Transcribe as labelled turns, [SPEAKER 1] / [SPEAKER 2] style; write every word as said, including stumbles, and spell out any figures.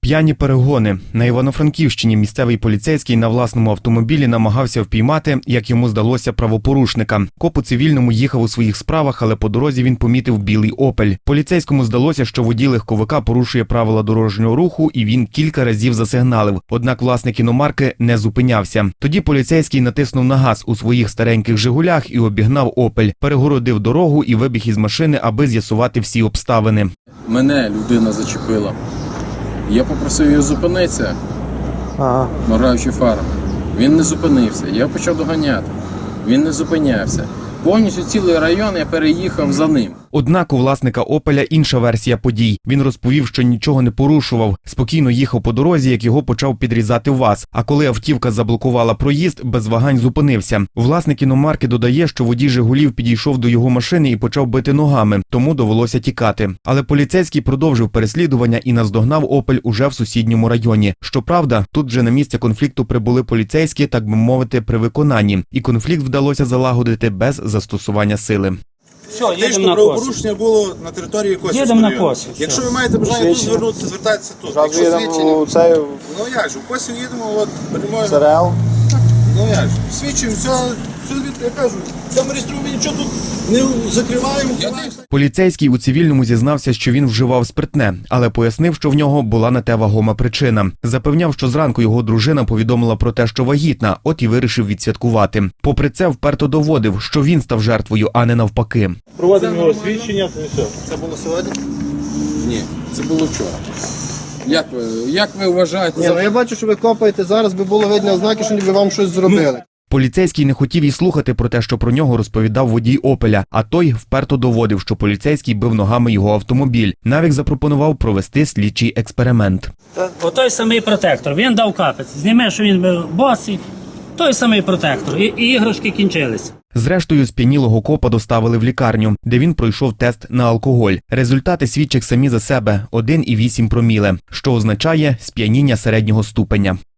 [SPEAKER 1] П'яні перегони. На Івано-Франківщині місцевий поліцейський на власному автомобілі намагався впіймати, як йому здалося, правопорушника. Коп у цивільному їхав у своїх справах, але по дорозі він помітив білий «Опель». Поліцейському здалося, що водій легковика порушує правила дорожнього руху, і він кілька разів засигналив. Однак власник іномарки не зупинявся. Тоді поліцейський натиснув на газ у своїх стареньких «Жигулях» і обігнав «Опель». Перегородив дорогу і вибіг із машини, аби з'ясувати всі обставини.
[SPEAKER 2] Мене людина зачепила. Я попросив його зупинитися,
[SPEAKER 3] Ага.
[SPEAKER 2] моргаючи фарами. Він не зупинився. Я почав доганяти. Він не зупинявся. Повністю цілий район я переїхав за ним.
[SPEAKER 1] Однак у власника «Опеля» інша версія подій. Він розповів, що нічого не порушував, спокійно їхав по дорозі, як його почав підрізати ВАЗ. А коли автівка заблокувала проїзд, без вагань зупинився. Власник іномарки додає, що водій «Жигулів» підійшов до його машини і почав бити ногами, тому довелося тікати. Але поліцейський продовжив переслідування і наздогнав «Опель» уже в сусідньому районі. Щоправда, тут вже на місце конфлікту прибули поліцейські, так би мовити, при виконанні. І конфлікт вдалося залагодити без застосування сили.
[SPEAKER 4] Все,
[SPEAKER 5] Фактично,
[SPEAKER 4] їдемо на
[SPEAKER 5] правопорушення було на території Косівського
[SPEAKER 4] Їдемо на
[SPEAKER 5] району.
[SPEAKER 4] Косів,
[SPEAKER 5] Якщо
[SPEAKER 4] все.
[SPEAKER 5] ви маєте бажання тут звернутися, звертайтеся тут.
[SPEAKER 3] Зразу
[SPEAKER 5] Якщо
[SPEAKER 3] їдемо
[SPEAKER 5] свідчення,
[SPEAKER 3] у цей
[SPEAKER 5] ну як же, в Косів їдемо, от прямою.
[SPEAKER 3] СРЛ.
[SPEAKER 5] Ну як же, свідчуємо, все, все звідти, я кажу, в цьому реєструванні нічого тут не закриваємо.
[SPEAKER 1] Поліцейський у цивільному зізнався, що він вживав спиртне, але пояснив, що в нього була на те вагома причина. Запевняв, що зранку його дружина повідомила про те, що вагітна, от і вирішив відсвяткувати. Попри це, вперто доводив, що він став жертвою, а не навпаки.
[SPEAKER 6] Проводимо його свідчення, то і все.
[SPEAKER 5] Це було сьогодні?
[SPEAKER 2] Ні, це було вчора. Як ви, як ви вважаєте?
[SPEAKER 3] Ні, ну я бачу, що ви копаєте зараз, би було видно ознаки, що ніби вам щось зробили.
[SPEAKER 1] Поліцейський не хотів і слухати про те, що про нього розповідав водій «Опеля», а той вперто доводив, що поліцейський бив ногами його автомобіль. Навіть запропонував провести слідчий експеримент.
[SPEAKER 4] Отой самий протектор, він дав капець. Зніме, що він був босий, той самий протектор. І, і іграшки кінчились.
[SPEAKER 1] Зрештою, сп'янілого копа доставили в лікарню, де він пройшов тест на алкоголь. Результати свідчать самі за себе – один і вісім проміле, що означає сп'яніння середнього ступеня.